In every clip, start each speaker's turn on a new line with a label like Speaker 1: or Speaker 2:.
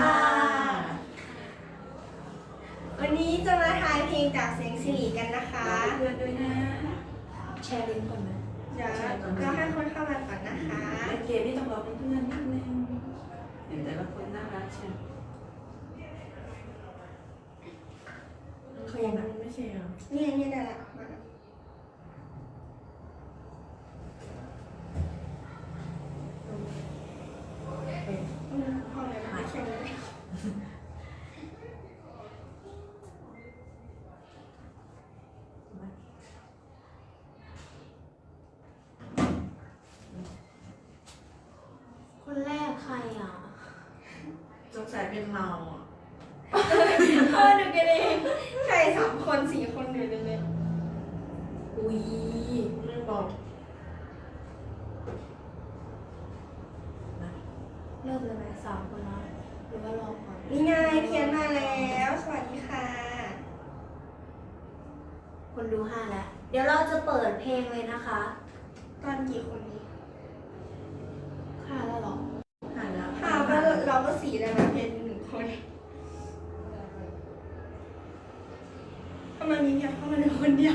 Speaker 1: วันนี้จะมาทายเพลงจากเสียงสิริกันนะคะ
Speaker 2: เพื่อนด้วยนะ
Speaker 3: แชร์ลิงก์ก่อนไหม
Speaker 1: เดี๋ยวเราให้คนเข้ามาก่อนนะคะ
Speaker 2: เล่นเกมนี่ต้องรอเพื่อนนิดนึงเห็นแต่ละคนน่ารักใช่ไหม
Speaker 3: เขายังไม่ใช่เหรอ
Speaker 1: นี่ได้ละมาห้องไหนมาแค่นี้
Speaker 3: คนแรกใครอ่ะ
Speaker 2: สงสัยเป็นเราอ่ะ
Speaker 1: ดูกันเองใคร3 คน4 คนอยู่เลย
Speaker 3: อุ้ย
Speaker 2: ไม่บอก
Speaker 3: เริ่มเลยไหม3 คนแล้วหรือว่ารอก่อน
Speaker 1: นี่ไงเขียนมาแล้วสวัสดีค่ะ
Speaker 3: คนดู5แล้วเดี๋ยวเราจะเปิดเพลงเลยนะคะ
Speaker 1: ตอนกี่คนนี้
Speaker 3: 5แล้วหรอ
Speaker 2: 5แล้ว
Speaker 1: ก็เราก็4แล้วนะเพลง1 คนทำไมมีเพียงเข้ามาในคนเดียว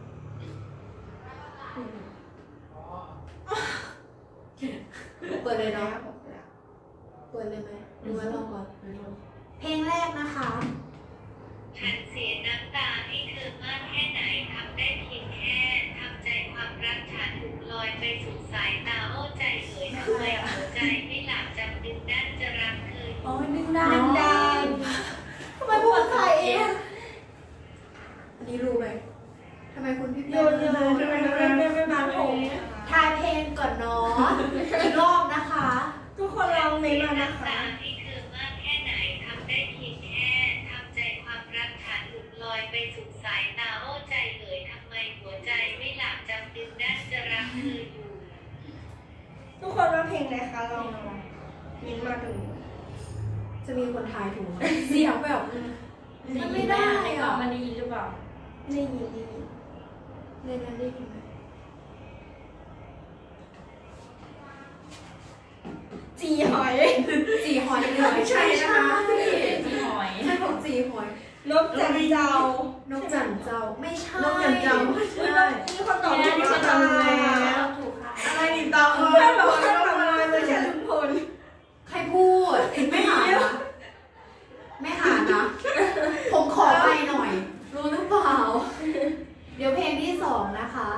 Speaker 3: เปิดเลยเนาะเปิดเลยไหมหรือว่ารอก่อนเพลงแรกนะคะ
Speaker 4: ฉันเสียน้ำตาให้เธอมากแค่ไหนทำได้เพียงแค่ทำใจความรักฉันถูกลอยไปสู่สายตาโอ้ใจเอ๋ยทำไมหัวใจไม่หลับจำดึงนั่นจะรักเธอ
Speaker 3: โอ้ยดึงดังทำไมพูดไทยเองอันนี้รู้ไหมทำไมคุณพี่เป้
Speaker 1: ทำไมไม่มาผม
Speaker 3: ทายเพลงก่อนเนาะอีกรอบนะคะ
Speaker 1: ทุกคนลองเมนมานะคะ
Speaker 4: ให้เธอมากแค่ไหนทำได้เพียงแค่ทำใจความรักฉันหลุดลอยไปสู่สายตาโอ้ใจเอ๋ยทำไมหัวใจไม่หลับจำดึงนั่นจะรักเธออยู่
Speaker 1: ทุกคนว่าเพลงอะไรคะลองมินมาดู
Speaker 3: จะมีคนทายถูกไหมเสียงแบบมันไม่ได้อ่ะ
Speaker 2: มันได้ยินหรือเปล่า
Speaker 1: ได้ยิน
Speaker 3: ในนั้นได้ยินไหม
Speaker 1: จีหอย
Speaker 3: จีหอยเลย
Speaker 2: ใช่นะคะจีหอย
Speaker 3: ใช่ของจีหอย
Speaker 1: นกจันเจ้าน
Speaker 3: กจันเจ้าไม่ใช่
Speaker 2: นกจันเจ้า
Speaker 1: มีคนตอบถูกแล้ว
Speaker 3: ถูกค่ะ
Speaker 2: อะไรนี่ตอบ
Speaker 1: เพื่อนบอกว่าทำอะไรไม่ใช่ลุงพล
Speaker 3: ใครพูดไม่หานะไม่หานะผมขอไปหน่อยรู้หรือเปล่าเดี๋ยวเพลงที่2นะคะ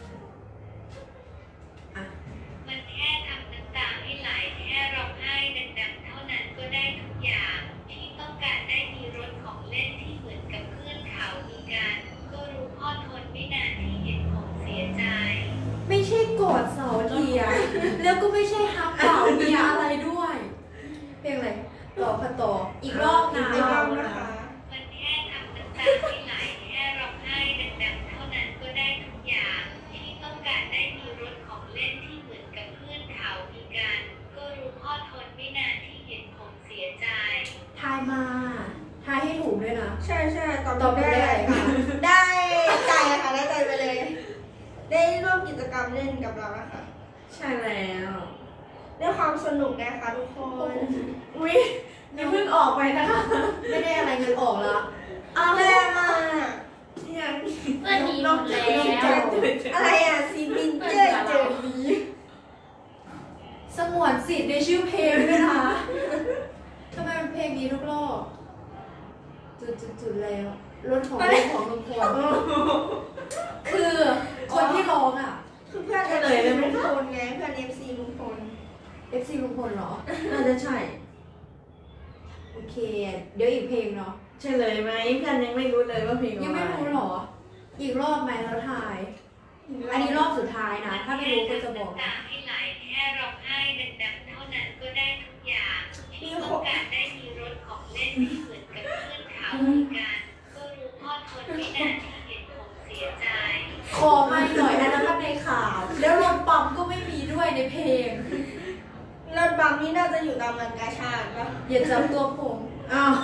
Speaker 4: มันแค่ทำน้ำตาให้ไหลแค่ร้องไห้ดังๆเท่านั้นก็ได้ทุกอย่างที่ต้องการได้มีรถของเล่นที่เหมือนกับเพื่อนเขามีกันก็รู้พ่อทนไม่นานที่เห็นผมเสียใจ
Speaker 3: ไม่ใช่กอดเสาเทียแล้วก็ไม่ใช่ฮักเป่าเมียอะไรด้วยเพลงอะไรต่อค่ะต่ออีกรอบนะ
Speaker 4: มันแค่ทำน้ำตาให้ไหลแค่ร้องไห้ดังๆเท่านั้นก็ได้ทุกอย่างที่ต้องการได้มีรถของเล่นที่เหมือนกับเพื่อนเขามีกันก็รู้พ่อทนไม่นานที่เห็นผมเสียใจ
Speaker 3: ทายมาทายให้ถูกด้วยนะ
Speaker 1: ใช่ตอบได้ค่ะได้ใจค่ะได้ใจไปเลยได้ร่วมกิจกรรมเล่นกับเรานะคะ
Speaker 2: ใช่แล้ว
Speaker 1: ด้วยความสนุกนะคะทุกคน
Speaker 2: อุ้ยนี่เพิ่งออกไปนะคะ
Speaker 3: ไม่ได้อะไรเงินออกแล้ว
Speaker 1: แรงอ่ะ
Speaker 2: ยัง
Speaker 4: เพื่อนมีหมดแล้ว
Speaker 1: อะไรอ่ะซีบินเจอดี
Speaker 3: สงวนสิทธิ์ในชื่อเพลงด้วยนะทำไมเป็นเพลงนี้ทุกรอบจุดแล้วรถของลุงพลคือคนที่ร้องอ่ะ
Speaker 1: คือเพื่อนเลยลุงพลไงเพื่อน FC ลุงพล
Speaker 3: FC ลุงพลเหรอ
Speaker 2: น่าจะใช่
Speaker 3: โอเคเดี๋ยวอีกเพลงเนาะ
Speaker 2: ใช่เลยไหมเพื่อนยังไม่รู้เลยว่าเพลงอะไร
Speaker 3: ยังไม่รู้หรออีกรอบไหมแล้วทายอันนี้รอบสุดท้ายนะถ้าไม่รู้ก็จะบอก
Speaker 4: นะให้ไหลแค่ร้องไห้ดังๆเท่านั้นก็ได้ทุกอย่างที่ต้องการได้มีรถของเล่นที่เหมือนกับเพื่อนเขาเหมือนกันก็รู้พ่อทนไม่นานที่เห็นผมเสียใจ
Speaker 3: ขอไม่หน่อยนะนะครับในข่าวแล้วรถปั๊มก็ไม่มีด้วยในเพลง
Speaker 1: รถบัมนี่น่าจะอยู่ตามงานกาชาดป่ะ
Speaker 3: อย่าจับตัวผม
Speaker 2: อ้าว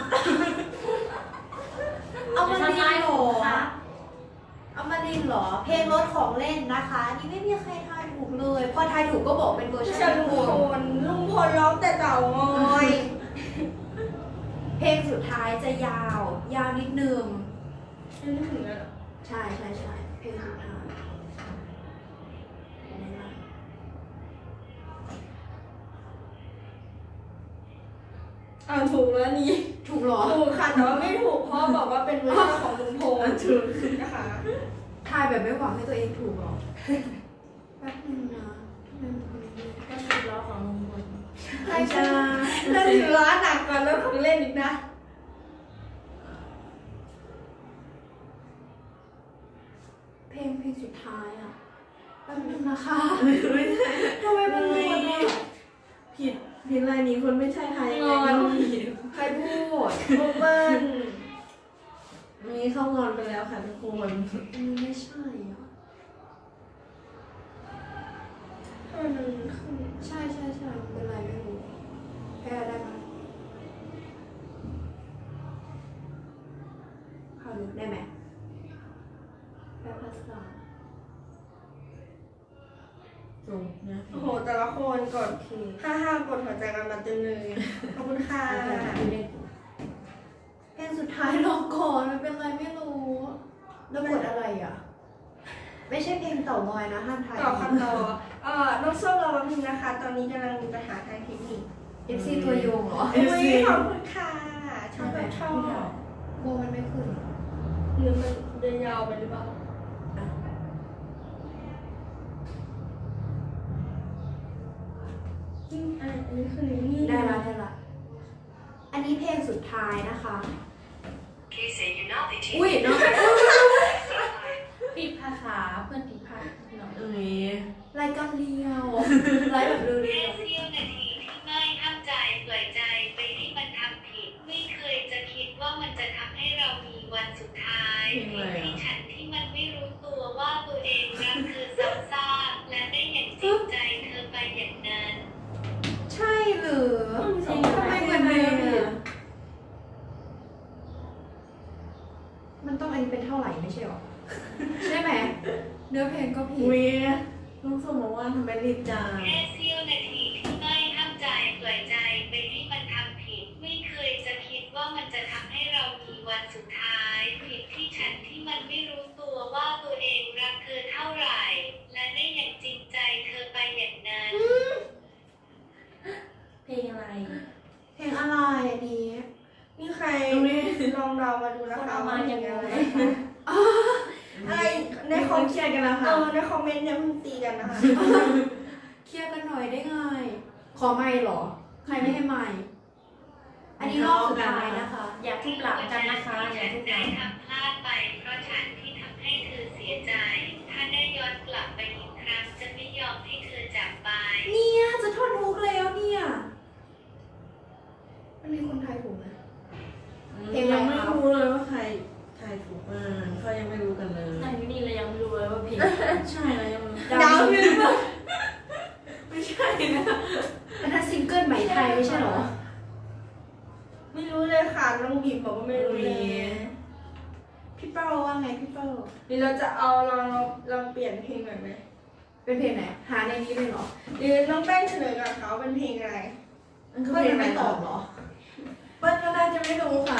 Speaker 3: เอามาดีหรอเอามาดีหรอเพลงรถของเล่นนะคะนี่ไม่มีใครทายถูกเลยพอทายถูกก็บอกเป็นเวอร์ชัน
Speaker 1: ลุงพลร้องแต่เต่างอย
Speaker 3: เพลงสุดท้ายจะยาว ยาวนิดนึง
Speaker 1: ยังไม่ถึงแล้วเหรอ
Speaker 3: ใช่ใช่ใช่เพลงสุดท้าย
Speaker 1: ถูกแล้วนี่
Speaker 3: ถูกเหรอ
Speaker 1: ถูกค่ะแต่ว่าไม่ถูกเพราะบอกว่าเป็นเวอร์ชันของลุงพล
Speaker 2: ถูก
Speaker 1: นะคะ
Speaker 3: ทายแบบไม่หวังให้ตัวเองถูกเหรอ แป๊บนึงนะทำไมมันคนนี้
Speaker 2: ก็สิบล้อของลุงพล
Speaker 1: ใช่ใช่แล้วถือว่าหนักกว่าเรื่องของเล่นอีกนะ
Speaker 3: เพลงสุดท้ายอ่ะแป๊บนึงนะคะ
Speaker 2: ไม่ใช่
Speaker 3: ทำไมมันหมดอ่ะ
Speaker 2: ผิดลายนี้คนไม่ใช่ไทยยังไงก็ผิด
Speaker 3: ใครพูด
Speaker 1: โอเบิ้ล
Speaker 2: มีเข้างอนไปแล้วค่ะทุกคน
Speaker 3: อันนี้ไม่ใช่อ่ะ
Speaker 1: ทำไมมันขึ้น
Speaker 3: ใช่ใช่ใช่เป็นไรไม่รู้แพ้ได้ไหมเข้าลึกได้ไหมแพ้ภาษา
Speaker 2: ตรงนะ
Speaker 1: โอ้โหแต่ละคนกด55กดหัวใจกันมาเต็มเลยขอบคุณค่ะ
Speaker 3: เพลงสุดท้ายลองก่อนมันเป็นไรไม่รู้ แล้วกดอะไรอ่ะ ไม่ใช่เพลงเต่างอยนะห้ามทาย
Speaker 1: ต่อคำต่อน้องส้มรอแป๊บนึงนะคะ ตอนนี้กำลังมีปัญหาทางเทคนิค
Speaker 3: FC ตัวโยงเหรอ
Speaker 1: อุ้ยขอบคุณค่ะชอบแบบชอบ
Speaker 3: โบมันไม่ขึ้น
Speaker 1: หรือมันเดินยาวไปหรือเปล่า
Speaker 3: อ่ะ
Speaker 1: อันนี้คือนี่
Speaker 3: ได้ละได้ละ อันนี้เพลงสุดท้ายนะคะ อุ้ยเนาะ
Speaker 5: ปิดภาษาเพื่อนผิดพลาดเนาะ
Speaker 2: ตรงนี้
Speaker 3: รายการเรียวไลฟ์แบบเรี
Speaker 4: แค่
Speaker 3: ยว
Speaker 4: เสี้ยวนาทีที่ไม่ห้ามใจปล่อยใจไปให้มันทำผิด ไม่เคยจะคิดว่ามันจะทำให้เรามีวันสุดท้ายผิดที่ฉันที่มันไม่รู้ตัวว่าตัวเองรักเธอซ้ำซากและได้อย่างจริงใจเธอไปอย่างนั้น
Speaker 3: ๆใช่หรือทำไมเหมือนเดิมอะมันต้องอันนี้เป็นเท่าไหร่ไม่ใช่หรอ ใช่ไหม เนื้อเพลงก็ผิด
Speaker 2: อุ้ยน้องส้มบอกว่าทำไมรีบจัง
Speaker 4: แค่เสี้ยวนาทีที่ไม่ห้ามใจปล่อยใจไปให้มันทำผิด ไม่เคยจะคิดว่ามันจะทำให้เรามีวันสุดท้ายผิดที่ฉันที่มันไม่รู้ตัวว่าตัวเองรักเธอเท่าไหร่ และได้อย่างจริงใจเธอไปอย่างนั้น
Speaker 5: เพลงอะไร
Speaker 3: เพลงอะไรอันนี้
Speaker 1: นี่ใครลองเดามาดูนะ
Speaker 5: คน
Speaker 1: คะ
Speaker 5: เอามาอย่าง
Speaker 1: ไร
Speaker 5: ไร
Speaker 1: อะไรใน
Speaker 2: ใน
Speaker 1: ค
Speaker 2: ค
Speaker 1: อ
Speaker 2: อ
Speaker 1: ม
Speaker 2: มเครียดกันแล้วค่ะ
Speaker 1: ในคอมเมนต์เนี่ยเพิ่งตีกันนะคะ
Speaker 3: เคลียร์กันหน่อยได้ไง ขอไม่หรอ ใครไม่ให้ไม่อันนี้รอบสุดท้ายนะคะ
Speaker 5: อย่าทุบหลังกันนะคะ อย่าทุบห
Speaker 4: ได้
Speaker 5: ลัง
Speaker 4: ทำพลาดไปเพราะฉันที่ทำให้เธอเสียใจ ถ้าได้ย้อนกลับไปอีกครั้งจะไม่ยอมให้เธอจากไป
Speaker 3: เนี่ยจะท่อนฮุกแล้วเนี่ย มันมีคนไทยถูกไหม
Speaker 2: ยังไม่รู้เลยว่าใครทายถูกบ้างเขายังไม่รู้กันเลย
Speaker 5: นั่งอยู่นี่เรายังไม่รู้เลยว่าเพลง
Speaker 2: ใช่แล้วยัง
Speaker 3: ดาวน์
Speaker 2: ไม่ใช่นะ
Speaker 3: อันนั้นซิงเกิลใหม่ไทยไม่ใช่เหรอ
Speaker 1: ไม่รู้เลยค่ะน้องบีบบอกว่าไม่รู้เลย
Speaker 3: พี่เป้าว่าไงพี่เป้า
Speaker 1: หรือเราจะเอาลองเปลี่ยนเพลงหน่อยไหม
Speaker 3: เป็นเพลงไหน หาในนี้เลยเหรอ
Speaker 1: หรือน้องแป้งเฉลยกับเขาเป็นเพลงอะไร
Speaker 2: มันคือ
Speaker 3: เปิ้ล
Speaker 2: เพลง
Speaker 3: ยัง
Speaker 2: อะไร
Speaker 3: ไม่ต
Speaker 2: ต่
Speaker 3: อ
Speaker 2: อบ
Speaker 3: เหรอ
Speaker 2: เปิ้ลก็น่าจะไม่รู้ค่ะ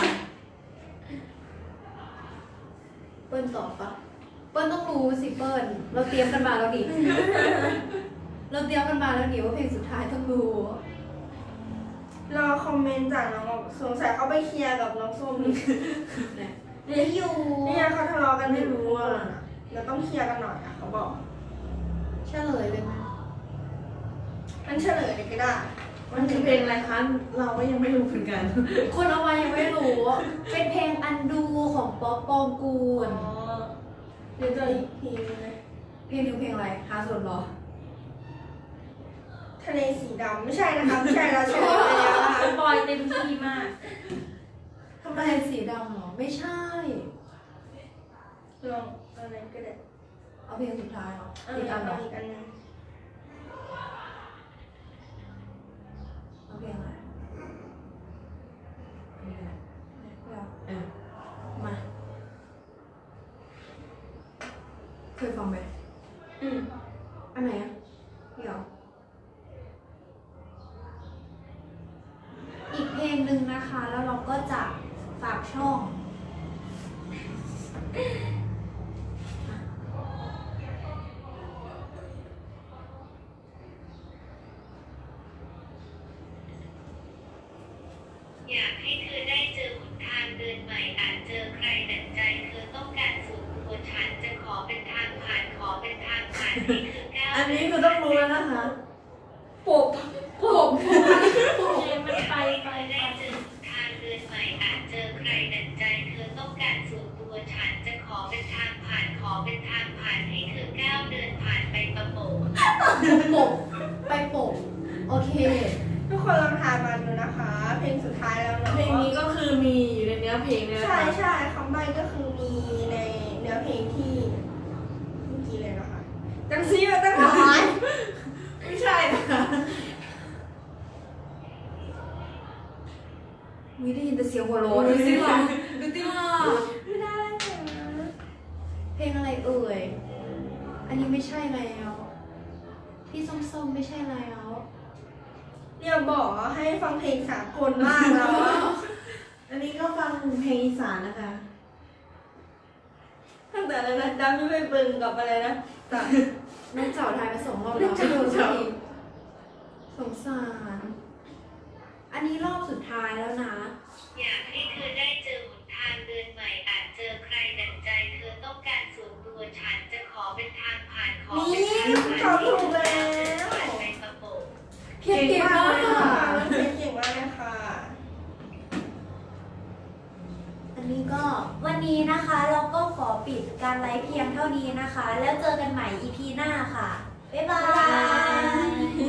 Speaker 3: เปิ้ลตอบปะเปิ้ลต้องรู้สิเปิ้ลเราเตรียมกันมาแล้วดิ เราเตรียมกันมาแล้วดิว่าเพลงสุดท้ายต้องรู้
Speaker 1: รอคอมเมนต์จากน้องสงสัยเขาไปเคลียร์กับน้องส้มนี่
Speaker 3: เนี่ย
Speaker 1: นี่
Speaker 3: อยู่
Speaker 1: นี่ไงเขาทะเลาะกันไม่รู้อ่ะเราต้องเคลียร์กันหน่อยอ่ะเขาบอก
Speaker 3: เฉลยเลยไหม
Speaker 1: มันเฉลยเลยก็ได้
Speaker 2: มันคือเพลงอะไรคะ เราก็ยังไม่รู้เหมือนกัน
Speaker 3: คนเอามายังไม่รู้ เป็นเพลงอันดูของป๊อปปองกูล
Speaker 1: เดี๋ยวจะอีกทีนึงนะ
Speaker 3: เพลงนึงเพลงอะไรหาส่วนเหรอ
Speaker 1: ทะเลสีดำไม่ใช่นะคะไม่ใช่เราเฉลยไปแล้วนะคะ
Speaker 5: บอยเต็มที่มาก
Speaker 3: ทำไมสีดำเหรอ ไม่ใช่
Speaker 1: ลองอะไรก็ได้
Speaker 3: เอาเพลงสุดท้ายเหรอ
Speaker 1: เอา
Speaker 3: สี
Speaker 1: อีก
Speaker 3: ดำเหรอ
Speaker 1: อันนึง
Speaker 3: เอาเพลงอะไรเพลงอะไรไม่เอา
Speaker 2: เออ
Speaker 3: มา เคยฟังไหม อันไหนอ่ะเดี๋ยว อีกเพลงหนึ่งนะคะแล้วเราก็จะฝากช่อง
Speaker 4: อยากให้เธอได้เจอหนทางเดินใหม่อาจเจอใครดั่งใจเธอต้องการส่วนตัวฉันจะขอเป็นทางผ่านขอเป็นทางผ่านนี่คือก้าว
Speaker 2: อันนี้คือต้องรู้แล้วนะคะ
Speaker 3: ปบปบ
Speaker 5: มันไป
Speaker 4: ได้เจอหนทางเดินใหม่อาจเจอใครดั่งใจเธอต้องการส่วนตัวฉันจะขอเป็นทางผ่านขอเป็นทางผ่านให้เธอก้าวเดินผ่านไปประโปง
Speaker 3: ปบไปปบโอเค
Speaker 1: ทุกคนลองทายมาดูนะคะ เพลงสุดท้ายแล้วเนาะ
Speaker 2: เพลงนี้ก็คือมีอยู่ในเนื้อเพลงเลยนะ
Speaker 1: ใช่
Speaker 2: คะ
Speaker 1: ใช่คำใบ้ก็คือมีในเนื้อเพลงที่เมื่อกี้เลยนะคะจังซีมาตั้งหลาย
Speaker 2: ไม่ใช่นะคะ
Speaker 3: วิได้ยินแต่เสียงหัวโล้นดูสิค่ะดูสิค่ะ
Speaker 1: ไม่ได้นะ
Speaker 3: เพลงอะไรเอ่ย อันนี้ไม่ใช่แล้ว พี่ส้มๆไม่ใช่แล้ว
Speaker 1: เรียกบอกว่าให้ฟังเพลงสากลมากแล้วอะ
Speaker 2: อันนี้ก็ฟังเพลงอีสานนะคะ
Speaker 1: ตั้งแต่อะไรนะดำไม่ไปเบิ่งกับอะไรนะแต่
Speaker 3: น้องเจ้าทายมา2 รอบแล้ว
Speaker 2: น้องเจ้า
Speaker 3: สงสาร อันนี้รอบสุดท้ายแล้วนะ
Speaker 4: อยากให้เธอได้เจอหนทางเดินใหม่อาจเจอใครดั่งใจเธอต้องการส่วนตัวฉันจะขอเป็นทางผ่านขอ
Speaker 1: นี่
Speaker 4: เป็นทางผ่าน
Speaker 1: เขาถูกแล้ว
Speaker 4: ผ่านไปประโปง
Speaker 3: เก่งมาก
Speaker 1: ค่ะ
Speaker 3: ค่ะ
Speaker 1: เก่งมากเลยค่ะ
Speaker 3: อันนี้ก็
Speaker 6: วันนี้นะคะเราก็ขอปิดการไลฟ์เพียงเท่านี้นะคะ แล้วเจอกันใหม่ EP หน้าค่ะ บ๊ายบาย